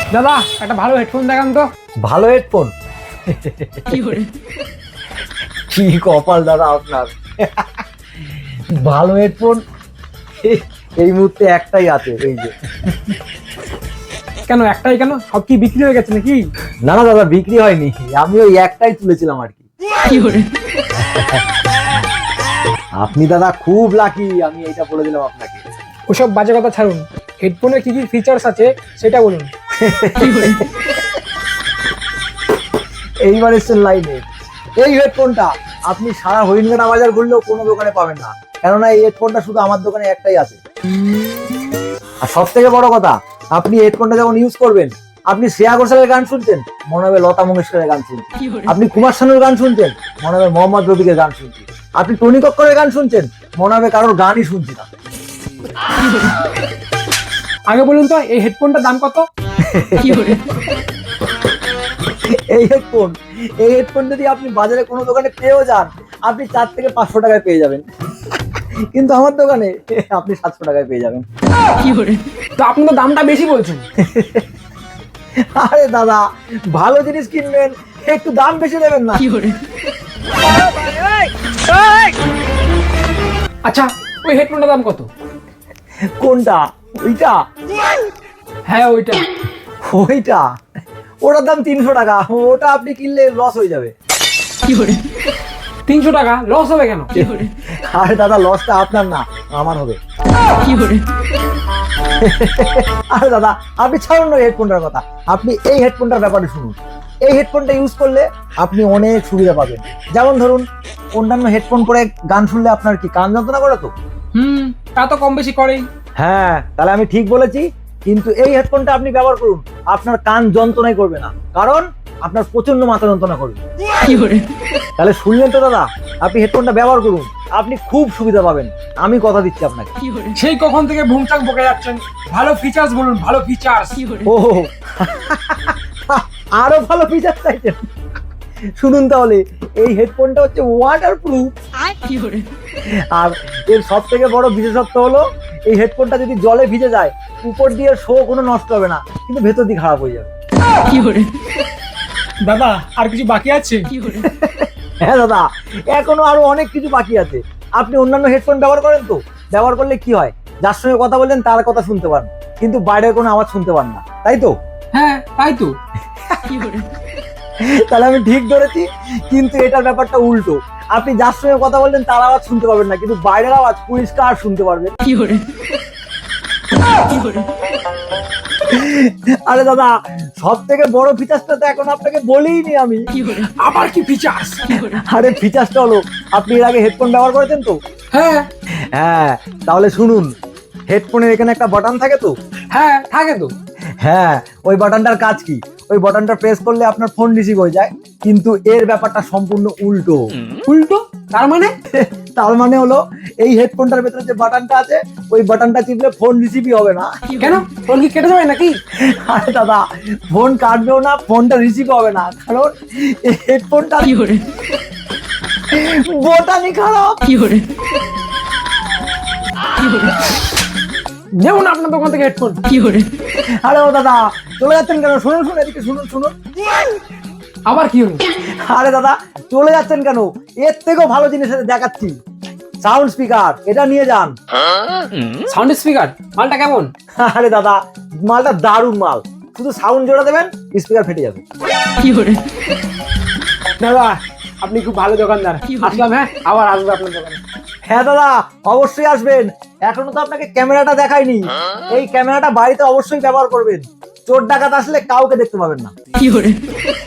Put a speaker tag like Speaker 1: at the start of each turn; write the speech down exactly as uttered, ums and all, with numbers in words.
Speaker 1: দাদা একটা ভালো হেডফোন দেখান তো।
Speaker 2: ভালো হেডফোন? কি কপাল দাদা আপনার। ভালো হেডফোন এই মুহূর্তে একটাই আছে, এই যে।
Speaker 1: কেন একটাই কেন? সব কি বিক্রি হয়ে গেছে নাকি?
Speaker 2: না না দাদা, বিক্রি হয়নি, আমি ওই একটাই তুলেছিলাম আর কি। আপনি দাদা খুব লাকি, আমি এইটা বলে দিলাম আপনাকে।
Speaker 1: ওসব বাজে কথা ছাড়ুন, হেডফোনের কি কি ফিচার্স আছে সেটা বলুন।
Speaker 2: এইবার এসছেন লাইনে। এই হেডফোনটা আপনি সারা হরিণঘাটা বাজার ঘুরলেও কোনো দোকানে পাবেন না, কেননা এই হেডফোনটা শুধু আমার দোকানে একটাই আছে। আর সব থেকে বড় কথা, আপনি হেডফোনটা যখন ইউজ করবেন, আপনি শ্রেয়া ঘোষালের গান শুনছেন, মনে হবে লতা মঙ্গেশকরের গান শুনছেন। আপনি কুমার শানুর গান শুনছেন, মনে হবে মোহাম্মদ রফিকের গান শুনছেন। আপনি টনি কক্করের গান শুনছেন, মনে হবে কারোর গানই শুনছি না।
Speaker 1: আগে বলুন তো এই হেডফোনটার দাম কত?
Speaker 2: এই হেডফোন এই হেডফোন যদি আপনি বাজারে কোনো দোকানে পেয়েও যান, আপনি চার থেকে পাঁচশো টাকায় পেয়ে যাবেন, কিন্তু আমার দোকানে আপনি সাতশো টাকায় পেয়ে যাবেন।
Speaker 1: তো আপনি তো দামটা বেশি বলছেন।
Speaker 2: আরে দাদা, ভালো জিনিস কিনবেন, একটু দাম বেশি দেবেন না?
Speaker 1: আচ্ছা, ওই হেডফোনটার দাম কত?
Speaker 2: কোনটা? ওইটা?
Speaker 1: হ্যাঁ ওইটা।
Speaker 2: ওইটা ওটার দাম তিনশো টাকা। ওটা আপনি কিনলে লস হয়ে যাবে।
Speaker 1: তিনশো টাকা লস হবে কেন?
Speaker 2: আরে দাদা, লসটা আপনার না, আমার হবে। আরে দাদা, আপনি ছাড়ুন না হেডফোনটার কথা, আপনি এই হেডফোনটার ব্যাপারে শুনুন। এই হেডফোনটা ইউজ করলে আপনি অনেক সুবিধা পাবেন। যেমন ধরুন, অন্যান্য হেডফোন পরে গান শুনলে আপনার কি কান যন্ত্রণা করে? তো
Speaker 1: হুম, তা তো কম বেশি করেই।
Speaker 2: হ্যাঁ, তাহলে আমি ঠিক বলেছি। কিন্তু এই হেডফোনটা আপনি ব্যবহার করুন, আপনার কান যন্ত্রণাই করবে না, কারণ আপনার প্রচন্ড মাথা যন্ত্রণা করবে। তাহলে শুনলেন তো দাদা, আপনি হেডফোনটা ব্যবহার করুন, আপনি খুব সুবিধা পাবেন, আমি কথা দিচ্ছি আপনাকে।
Speaker 1: সেই কখন থেকে ভুংচাক বকে যাচ্ছেন, ভালো ফিচার্স বলুন, ভালো ফিচার্স।
Speaker 2: ও, আরো ভালো ফিচার চাইছেন? শুনুন তাহলে, এই হেডফোনটা হচ্ছে ওয়াটার প্রুফ। আর এর সব থেকে বড় বিশেষত্ব হলো, এই হেডফোনটা যদি জলে ভিজে যায়, উপর দিয়ে শো কোনো নষ্ট হবে না, কিন্তু ভেতর দিয়ে খারাপ হয়ে যাবে।
Speaker 1: দাদা আর কিছু বাকি আছে?
Speaker 2: হ্যাঁ দাদা, এখনো আরো অনেক কিছু বাকি আছে। আপনি অন্যান্য হেডফোন ব্যবহার করেন তো? ব্যবহার করলে কি হয়, যার সঙ্গে কথা বললেন তার কথা শুনতে পান, কিন্তু বাইরের কোনো আওয়াজ শুনতে পান না, তাই তো?
Speaker 1: হ্যাঁ তাই তো।
Speaker 2: তাহলে আমি ঠিক ধরেছি, কিন্তু এটার ব্যাপারটা উল্টো। আপনি যার সঙ্গে কথা বললেন তার আওয়াজ শুনতে পাবেন না, কিন্তু বাইরের আওয়াজ পরিষ্কার শুনতে পারবেন। আরে দাদা, সব থেকে বড় ফিচার্সটা তো এখন আপনাকে বলিনি আমি।
Speaker 1: আবার কি ফিচার্স?
Speaker 2: আরে ফিচার্সটা হলো, আপনি এর আগে হেডফোন ব্যবহার করেছেন তো?
Speaker 1: হ্যাঁ।
Speaker 2: হ্যাঁ, তাহলে শুনুন, হেডফোনের এখানে একটা বাটন থাকে তো?
Speaker 1: হ্যাঁ থাকে তো।
Speaker 2: হ্যাঁ, ওই বাটনটার কাজ কি? ওই বাটনটা প্রেস করলে আপনার ফোন রিসিভ হয়ে যায়, কিন্তু এর ব্যাপারটা সম্পূর্ণ উল্টো।
Speaker 1: উল্টো তার মানে?
Speaker 2: তার মানে হলো, এই হেডফোনটার ভেতরে যে বাটনটা আছে, ওই বাটনটা টিপলে ফোন রিসিভই হবে না।
Speaker 1: কেন? ফোন কি কেটে যাবে নাকি?
Speaker 2: আরে দাদা, ফোন কাটবেও না, ফোনটা রিসিভ হবে না, কারণ এই হেডফোনটা বোতামই খারাপ।
Speaker 1: যেমন আপনার দোকান থেকে হেডফোন।
Speaker 2: আরে ও দাদা, চলে যাচ্ছেন কেন? শুনুন শুনুন, এদিকে শুনুন শুনুন।
Speaker 1: আবার কি হলো?
Speaker 2: আরে দাদা, চলে যাচ্ছেন কেন? এর থেকেও ভালো জিনিস দেখাচ্ছি, সাউন্ড স্পিকার, এটা নিয়ে যান।
Speaker 1: সাউন্ড স্পিকার মালটা কেমন?
Speaker 2: আরে দাদা, মালটা দারুণ মাল, শুধু সাউন্ড জোড়া দেবেন, স্পিকার ফেটে যাবে।
Speaker 1: দাদা আপনি খুব ভালো দোকানদার, আসলাম। হ্যাঁ, আবার আসবো আপনার দোকানে।
Speaker 2: হ্যাঁ দাদা, অবশ্যই আসবেন। এখনো তো আপনাকে ক্যামেরাটা দেখাইনি, এই ক্যামেরাটা বাড়িতে অবশ্যই ব্যবহার করবেন, চোর ডাকাত আসলে কাউকে দেখতে পাবেন না।